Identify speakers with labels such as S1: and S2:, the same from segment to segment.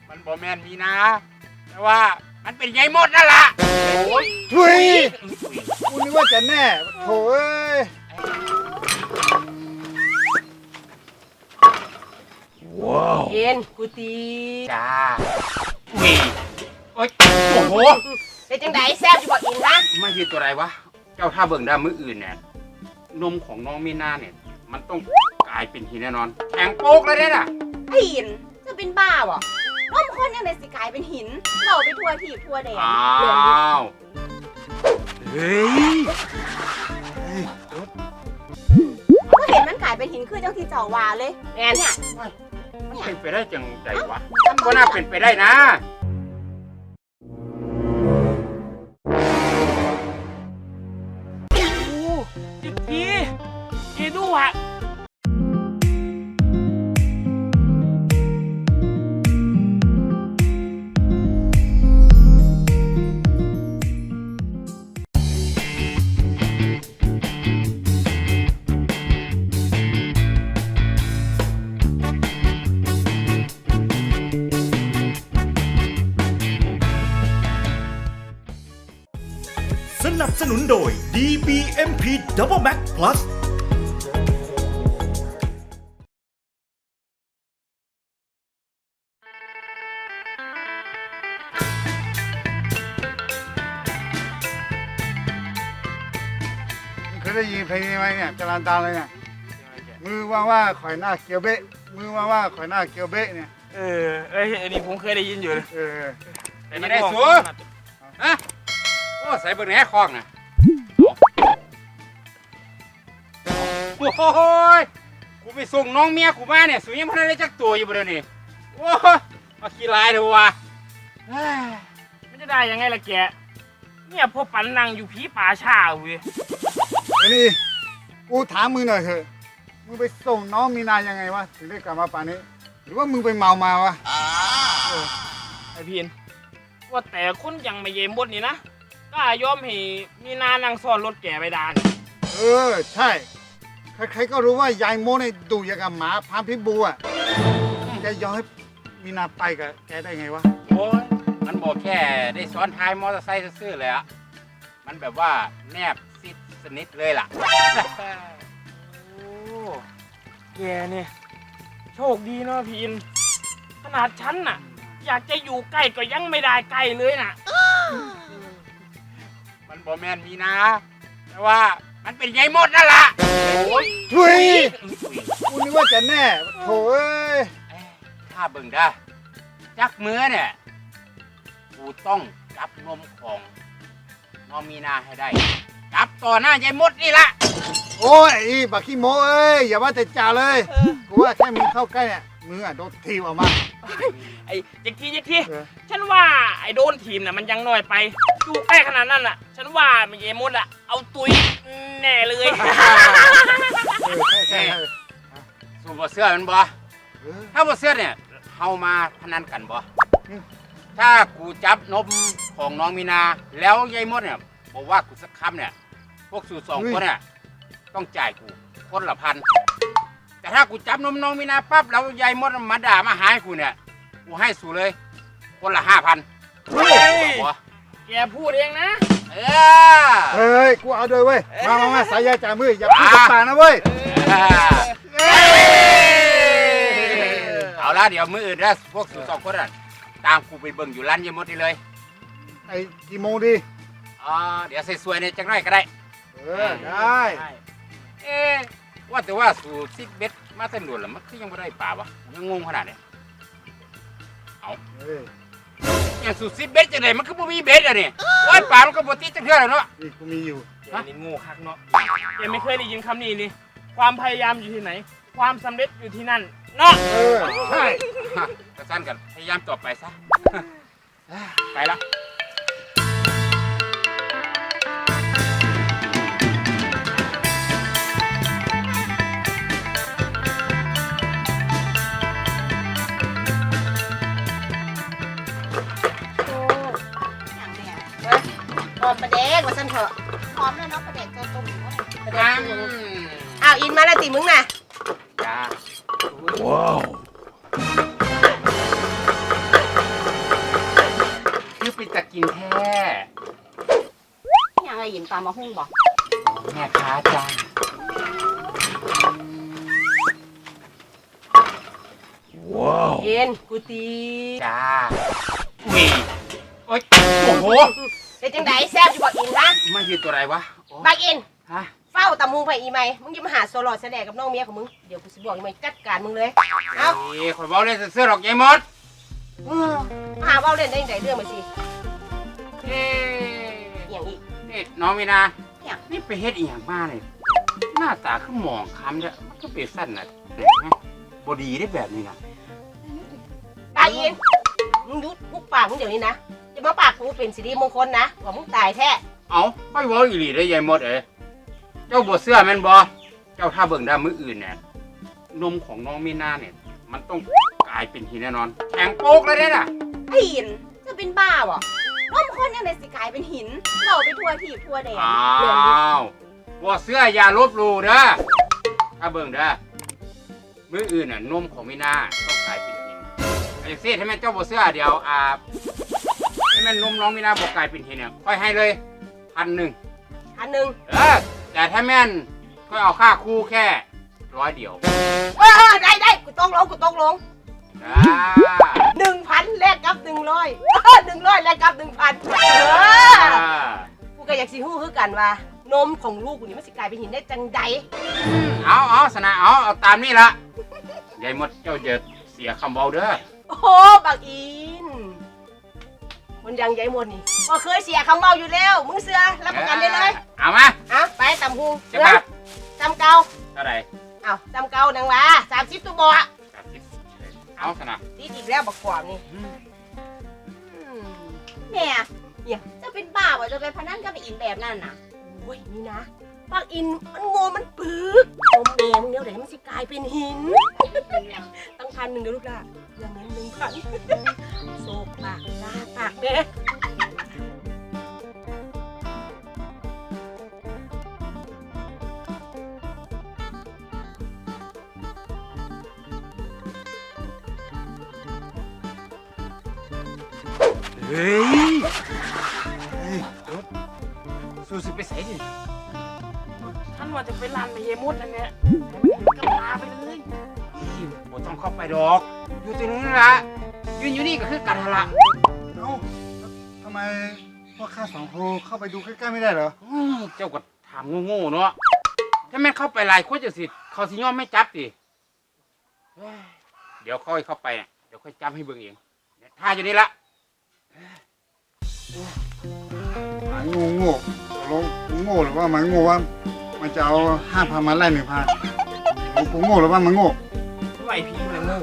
S1: มันบ่แม่นมีนะแต่ว่ามันเป็นยายมดนั่นล่ะโอ้ย
S2: ทุยกูนึกว่าจะแน่โถ่เอ้ย
S3: เย็นกูตี
S1: จ้าอุ้ยโอ้ยโอ้โห
S3: เป็นจังไดแซ่บอยู่บ่อินนะ
S1: ไม่ใช่ตัวอะไรวะเจ้าถ้าเบิ่งได้มื้ออื่นเนี่ยนมของน้องมีนาเนี่ยมันต้องกลายเป็นหินแน่นอนแข็งโป๊กเลยเนี่ยน่ะ
S3: ไอ้อินจะเป็นบ้าบ่น้ำคนยังไงสิกลายเป็นหินเราไปทั่วทีบทั่วแดน
S1: อ้า
S3: เรื่องนี้
S1: วเฮ้ย
S3: ก็เห็นมันกลายเป็นหินคือจังที่เจ้าว่าเลยแม่เนี่ย
S1: มันเป็นไปได้จังใจวะก็น่าเป็นไปได้นะ
S4: จิกทีดูอ่ะ
S5: สนับสนุนโดย DBMP Double Max Plus
S2: เคยได้ยินเพลงนี้ไหมเนี่ยจรันตาเลยเนี่ยมือว่าข่อยหน้าเกียวเบะมือว่าข่อยหน้าเกียวเบะเนี่ย
S4: อันนี้ผมเคยได้ยินอยู่เลย
S1: แต่ไม่ได้สูฮะโอ้ใส่เบิ่งแหนคล้องน่ะโอ้ยกูไปส่งน้องเมียกูมาเนี่ยสูยังไม่ได้จักตัวอยู่บ่เดี๋ยวนี้โอ้ยมาขี้ลายเถอะวะ
S4: มันจะได้ยังไงล่ะแกเนี่ยพวกปันนังอยู่ผีป่าชาเว้ย
S2: ไอ้นี่กูถามมึงหน่อยเถอะมึงไปส่งน้องมีนายังไงวะถึงได้กลับมาป่านนี้ หรือว่ามึงไปเมามาวะ
S4: ไอพีนว่าแต่คนยังไม่เยมบดนี่นะก็ยอมให้มีนานั่งซ้อนรถแกไปดาน
S2: ใช่ใครๆก็รู้ว่ายายโมเนี่ยดุอย่างกับหมาพามพิษบูอ่ะแกยอมให้มีนาไปกับแกได้ไงวะ
S1: โอ้ยมันบอกแค่ได้ซ้อนท้ายมอเตอร์ไซค์ซื่อๆเลยอะมันแบบว่าแนบซิดสนิทเลยล่ะ
S4: โอ้แกเนี่ยโชคดีเนาะพีนขนาดฉันน่ะ อยากจะอยู่ใกล้ก็ยังไม่ได้ใกล้เลยน่ะ
S1: มันบอแมนมีนะแต่ว่ามันเป็นยายมดนั่นล่ะโอ้ย
S2: ทุยกูนึกว่าจะแน่โถ่เอ้ย
S1: ถ้าเบิ่งได้จักมือเนี่ยกูต้องจับนมของน้องมีนาให้ได้จับต่อหน้ายายมดนี่ล่ะ
S2: โอ้ยอีบักขี้โมเอ้ยอย่าว่าแต่จ่าเลยกูว่าแค่มึงเข้าใกล้เนี่ยมึงอ่ะโดนทีบออกมา
S4: ไอ้จิกที
S2: เออ
S4: ฉันว่าไอ้โดนทีมน่ะมันยังน้อยไปอยู่ใกล้ขนาดนั้นน่ะ ฉันว่ามันเยมดอ่ะเอาตุยแน่เลย
S2: ใช่
S1: สูบเสื้อมันบ่ถ้าบ่เสื้อเนี่ยเฮามาพนันกันบ่ถ้ากูจับนมของน้องมีนาแล้วยายมดเนี่ยบอกว่ากูสักคำเนี่ยพวกสู่สองคนเนี่ยต้องจ่ายกูคนละ1,000แต่ถ้ากูจับนมน้องมีนาปั๊บแล้วยายมดมาด่ามาหายกูเนี่ยกูให้สู่เลยคนละ5,000
S4: เฮ้ย
S1: บ่
S4: แกพูดเองนะ
S1: เออ
S2: เฮ้ยกูเอาด้วยเว้ยมาสายยาจ่ามืออย่าพูดต่างนะเว้ย
S1: เอาละเดี๋ยวมื้ออื่นนะพวกสู่สองคนน่ะตามกูไปเบิ่งอยู่ร้านยายมดนี่เลย
S2: ไอ้กี่โมงดี
S1: เดี๋ยวใส่สวยในจังไรก็ได้
S2: ได้
S1: เอ๊ะว่าแต่ว่าสู่ซิกเบ็ดมาเต็มด่วนแล้วมันคือยังไม่ได้ป่าวะยังงงขนาดเนี่ยเอา
S2: เฮ้ย
S1: อย่างสู่ซิกเบ็ดจังไหนมันคือบ่มีเบ็ดอะนี่ว่ายป่ามันก็บ่ติดจังเทื่อแล้วเนาะ
S2: นี่กูมีอยู่
S4: แกนี่โง่คักเนาะแกไม่เคยได้ยินคำนี้นี่ความพยายามอยู่ที่ไหน ความสำเร็จอยู่ที่นั่นเนาะ
S2: ใช่
S1: กระสั้นกันพยายามต่อไปซะ ไปละ
S3: อย่างเนี่ยหอมประเด็กว่าฉันเถอะหอมแล้วเนาะประเด็กเจ้าต้มอยู่ว่าประเด็กต้มอ้าวอินมาแล้วติมึงน่ะ
S1: จ้า
S5: ว้าว
S1: จะกินแท้
S3: ยังไงอินตามมาหุ้งบอก
S1: แม่ค้าจ้า
S3: อินกูตี
S1: จ้าอุ้ยโอ๊ยโอ้โห
S3: เป็นจังไดแซ่บอยู่บอกอินนะ
S1: มันคือตัวอะไรวะโอ้
S3: บักอิน
S1: ฮะ
S3: เฝ้าตามูไปอีไหมมึงจะมาหาโซลอดแสดงกับน้องเมียของมึงเดี๋ยวกูสิบอกอีไหมจัดการมึงเลยเอา
S1: เอ้ยข่อยบอกเลยเสื้อหรอกยายมด
S3: มาหาเว้าเล่นได้ยังไงเรื่องมาสิ
S1: เอ๊ะ
S3: อย่างอีก
S1: นี่น้องมีนา
S3: เนี่ย
S1: นี่ไปเฮ็ดอีหยังมาเนี่ยหน้าตาคือหมองคล้ำเนี่ยมันก็เป็นสั้นน่ะบดีได้แบบนี้นะ
S3: ตายอินมึงยุดมุกปากมึงเดี๋ยวนี้นะจะมาปากกูเป็นสิริมงคลนะว่ามึงตายแท้
S1: เอาค่อยเว้าอีหลีได้ยายมดเอ้ยเจ้าบ่เสื้อแม่นบ่เจ้าถ้าเบิ่งได้มื้ออื่นเนี่ยนมของน้องมีนาเนี่ยมันต้องกลายเป็นหินแน่นอนแข็งโป๊กเลยเด้น่ะ
S6: ไอ้หินจะเป็นบ้าวะร่มคนยังไงสิกลายเป็นหินเราไปทัวทีบทัวแดง
S1: อ้าวบ่เสื้ออย่าลบหลู่เด้อถ้าเบิ่งเด้อมื้ออื่นน่ะนมของมีนาต้องกลายเป็นหินไอ้เสียให้แม่นเจ้าบ่เสื้อเดี๋ยวให้แม่นนมน้องมีนาบ่กลายเป็นหินเนี่ยค่อยให้เลย1,000
S3: อันหนึ่ง
S1: แต่ถ้าแม่นก็เอาค่าคู่แค่100เดียว
S3: ได้กูต้องลง
S1: จ้า
S3: 1,000แลกกับ100 100แลกกับ 1,000กูก็อยากสิฮู้คือกันว่านมของลูกกูนี่มันสิกลายเป็นหินได้จังใด
S1: เอาสนะเอาตามนี่ละยายมดเจ้าจะเสียคำเบาเด้อ
S3: โอ้โหบักอินคนยังใหญ่หมดนี่ก็เคยเสียคำเมาอยู่แล้วมึงเสือรับประกันได้เลย
S1: เอามา
S3: เอาไปตำหู
S1: จะแบบ
S3: ตำเกา
S1: เท่าไหร่
S3: เอาตำเกาดังว่า30ตัวบ่
S1: เอาสนะ
S3: ตีอีกแล้วบักความนี่
S6: แม่เนี่ยจะเป็นบ้าวะจะไปพนันกับไอ้อินแบบนั้นน่ะ
S3: โอ้ยนี่นะบักอินมันโง่มันปึกนมแดงเดี๋ยวไหนมันสิกลายเป็นหินตั้ง1,000เดี๋ยวลูกล่ะอย่างนั้น1,000โศกปากจ้าปากแม่
S1: เฮ้ยสู้สิไปใส่ดิ
S4: ท่านว่าจะไปลานไปเยมุดนั่นเนี่ยให้มันเห็นกับตาไปเลย
S1: บ่ต้องเข้าไปดอก อยู่ตรงนี้ละยืนอยู่นี่ก็คือกันละ
S2: เอ้าทำไมพวกข้าสองคนเข้าไปดูใกล้ๆไม่ได้เหรอ
S1: เจ้าก็ถามโง่ๆเนาะถ้าแม่นเข้าไปหลายคนจะสิเขาสิยอมไม่จับดิเดี๋ยวค่อยเข้าไปเนี่ยเดี๋ยวค่อยจับให้เบิ่งเองท่าอยู่นี่ละ
S2: หมาโง่ตกลงกูโง่หรือว่าหมันโง่ว่ามันจะเอา5,000มาไล่1,000กูโง่หรือว่ามันโง่
S4: ไหวพีมันเลย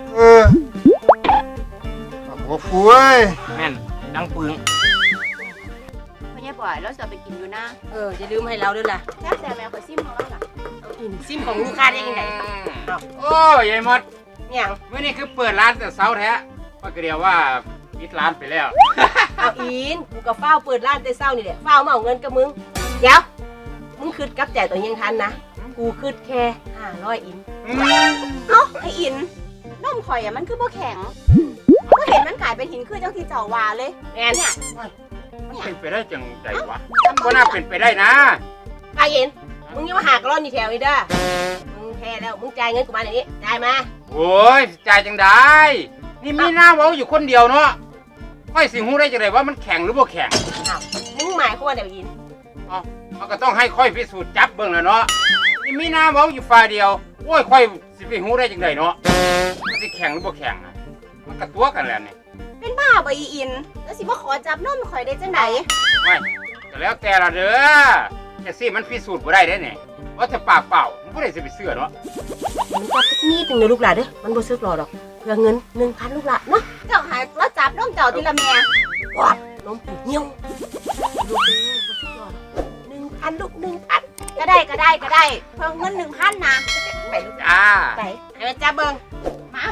S2: หัวฟูเอ้ย
S4: แม่นดังปึง
S6: ไม่ใช่ปล่อยแล้วจะไปกินอยู่นะ
S3: อย่าลืมให้เราด้วยล่ะ
S6: แซ่บแต่แมวคอยซิมของเราล่ะ
S3: เอาอินซิมของลูกค้าได้ยังไง
S1: โอ้ยายมด
S3: เนี่ย
S1: เมื่อนี้คือเปิดร้านแต่เช้าแท้ก็เดียวว่าปิดร้านไปแล้ว
S3: เอาอินกูกับเฝ้าเปิดร้านแต่เช้านี่แหละเฝ้ามาเอาเงินกับมึงเดี๋ยวมึงคืดกับใจตัวยังทันนะกูคืดแค่500อิน
S6: เอ้าไอ้อินนมข่อยอะมันคือบ่แข็งก็เห็นมันกลายเป็นหินคือจังที่เจ้าวาเลย
S3: แมนเนี่ย
S1: มันเป็นไปได้จังใดวะก็น่าเป็นไปได้นะ
S3: ไปอินมึงอยังมาหากร้อนนี่แถวนี้เด้อมึงแพ้แล้วมึงจ่ายเงินกูมาเดี๋ยวนี้จ่ายมา
S1: โอ้ยจ่ายจังได้ นี่มีหน้าเว้าอยู่คนเดียวเนาะค่อยสิหูได้จังไดว่ามันแข็งหรือบ่แข็ง
S3: อ้าวมึงหมายความว่าเดี๋ยวอิน
S1: มันก็ต้องให้ค่อยพิสูจน์จับเบิ่งแล้วเนาะนี่มีหน้าเว้าอยู่ฝ่ายเดียวโอ้ยค่อยสิไปหูได้จังไดเนาะมันสิแข็งหรือบ่แข็งอะมันก็ตัวกันแล้วนี่
S6: เป็นบ้าบ่อีอิน แล้วสิมาขอจับนมข่อยได้จังได
S1: ไม่ก็แล้วแต่ละเด้อแต่สิมันพิสูจน์บ่ได้ได้เนี่ยว่าจะปากเปล่ามันบ่ได้สิไปเชื่อเนาะ
S3: มึงจับสักนิดหนึงนะลูกหลานเด้อมันบ่ซื้อหรอกดอกเพื่อเงิน 1,000 ลูกหลานเนาะ
S6: เจ้าหายแล้วจับนมเจ้าทีละแม่
S3: ว้าวน้องกูเหี่ยวลูกบ่ซื้อหรอก1,000ลูก1,000
S6: ก็ได้เพิ่มเงิน1,000นะ
S3: ไปลูก
S1: จ้า
S3: ไปให้มันจับเบิ่ง
S6: มา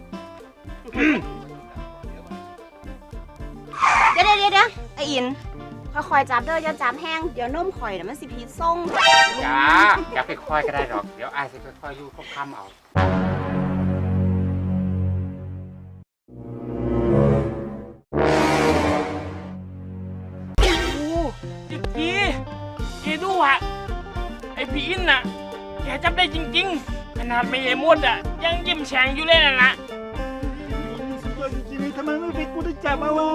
S6: เดี๋ยวไอ้อินค่อยๆจับเด้ออย่าจับแห้งเดี๋ยวนมข่อยน่ะมันสิพิษส่ง
S1: จ้าอย่าไปค่อยก็ได้หรอกเดี๋ยวอายสิค่อยๆอยู่ค่ำๆเอา
S4: พี่อินน่ะแกจับได้จริงๆขนาดไม่เอมดอ่ะยังยิ้มแฉ่งอยู่เลยนะ
S2: สุดยอดจริงๆทำไมไม่เป็นกูได้จับมาวะ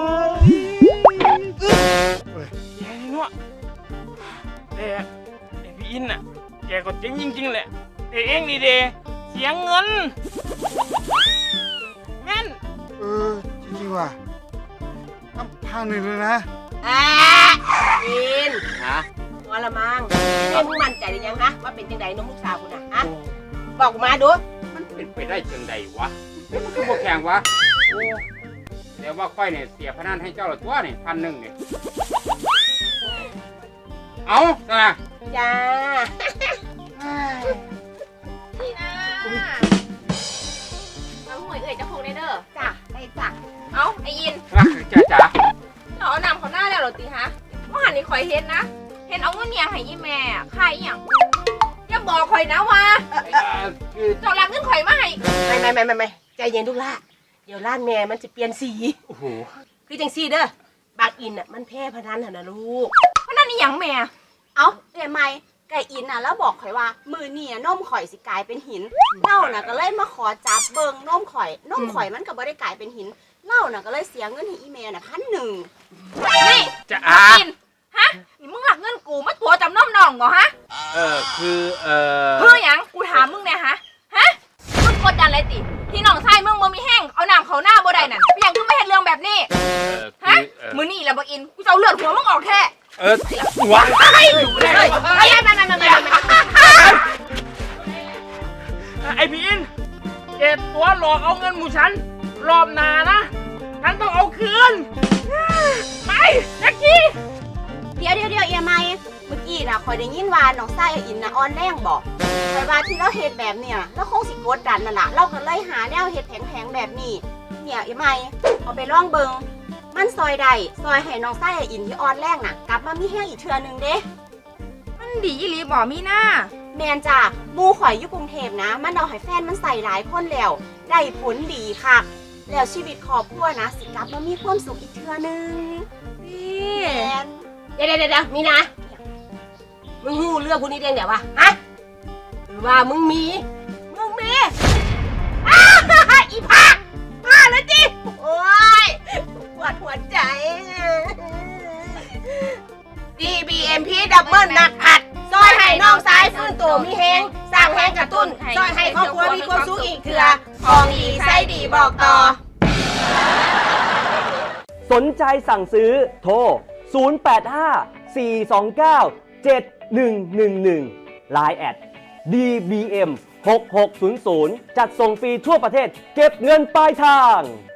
S4: แกนี่เนาะแต่ไอพี่อินน่ะแกก็เจ๋งจริงๆแหละแต่เองนี่เดเสียเงินแม่น
S2: จริงๆว่ะตั้ง1,000เลยนะ
S3: อิน
S1: ฮะ
S3: พอละมั้งเอ้ยมึงมั่นใจหรือยังฮะว่าเป็นจังไดน้องลูกสาวกูน่ะฮะบอกกูมาดู
S1: มันเป็นไปได้จังใดวะเฮ้ยมันคือบ่แข่งวะโอ้แต่ว่าค่อยเนี่ยเสียพนันให้เจ้าละตัวนี่1,000เนี่ยเอาซะนะ
S3: จ้า
S6: นี่นะเอาหวยเอ่ยจะคงได้เด้อจ้ะได้จ้ะ
S7: เอ้าไออิน
S1: รักคือจ้าจ๋า
S7: เราเอานำเขาหน้าแล้วเหรอตีฮะว่าหันนี่คอยเห็นนะ เห็นเอาเงินเมียให้ยี่แม่อะค่ายอหย่างอย่าบอกคอยนะว่า
S1: คือ
S7: เจ้ารักเงินข่อยมาให้
S3: ไม่ใจเย็นทุกล่ะเดี๋ยวร้านแม่มันจะเปลี่ยนสี
S1: โอ้โห
S3: คือจังซี่เด้อบางอินอ่ะมันแพ้พนันหั่นนะลูก
S7: เพราะนั่นนี่หยังแม่
S6: เอาเดี๋ยวไม่ไก่อินน่ะแล้วบอกข่อยว่ามือเนี่ยนมข่อยสิกลายเป็นหินเล่าน่ะก็เลยมาขอจับเบิงนมข่อยนมข่อยมันก็บ่ได้กลายเป็นหินเล่าน่ะก็เลยเสียเงินให้อีเมลน่ะ1,000
S7: นี่
S1: จ้า
S7: อินฮะนี่มึงหลักเงินกูมาตัวจำน้อมน้องบ่ฮะ
S1: คือ
S7: เพื่อหยังกูถามมึงเนี่ยฮะมึงกดดันอะไรติที่น้องชายมึงบ่มีแห้งเอาน้ำเขาหน้าบ่ได้นั่นเป็นหยังคือไม่เห็นเรื่องแบบนี้ฮะมื้อนี้แหละบ่อินกูจะเอาเลือดหัวมึงออกแท้
S1: วะ
S4: ไอพี่อินแกตัวหลอกเอาเงินหมูฉันรอบหนานะฉันต้องเอาคืนไปแจ็คกี้
S6: เดี๋ยวเอียไม่เมื่อกี้น่ะข่อยได้ยินว่าน้องไส้อินน่ะอ่อนแรงบอกข่อยว่าที่เราเฮ็ดแบบเนี่ยเราคงสิกดดันนั่นล่ะเราก็เลยหาแนวเฮ็ดแผงๆแบบนี้เนี่ยเอียไม่เอาไปลองเบิงมันซอยได้ซอยให้น้องไส้อินที่อ่อนแรงน่ะกลับมามีแห้งอีกเทื่อนึงเด้
S7: มันดีอีหลีบ่มีหน้า
S6: แมนจ้ะหมูข่อยอยู่กรุงเทพนะ มันเอาให้แฟนมันใส่หลายคนแล้ว ได้ผลดีค่ะ แล้วชีวิตครอบครัวนะ สิกลับมามีความสุขอีกเทื่อนึง
S7: นี่
S6: แมน
S3: เดี๋ยวมีนะมึงหูเรื่องพวกนี้ได้ไงวะฮะหรือว่ามึงมีอีผาแล้วจิโอ้ยปวดหัวใจ DBMP ดับเบิลหนักผัดซอยให้น้องสายฟื้นตัวมีแหงสร้างแหงกระตุ้นซอยให้ครอบครัวมีความสุขอีกเถื่อของดีไส้ดีบอกต่อ
S8: สนใจสั่งซื้อโทร 085-429-7111 Line แอด DBM 6600 จัดส่งฟรีทั่วประเทศเก็บเงินปลายทาง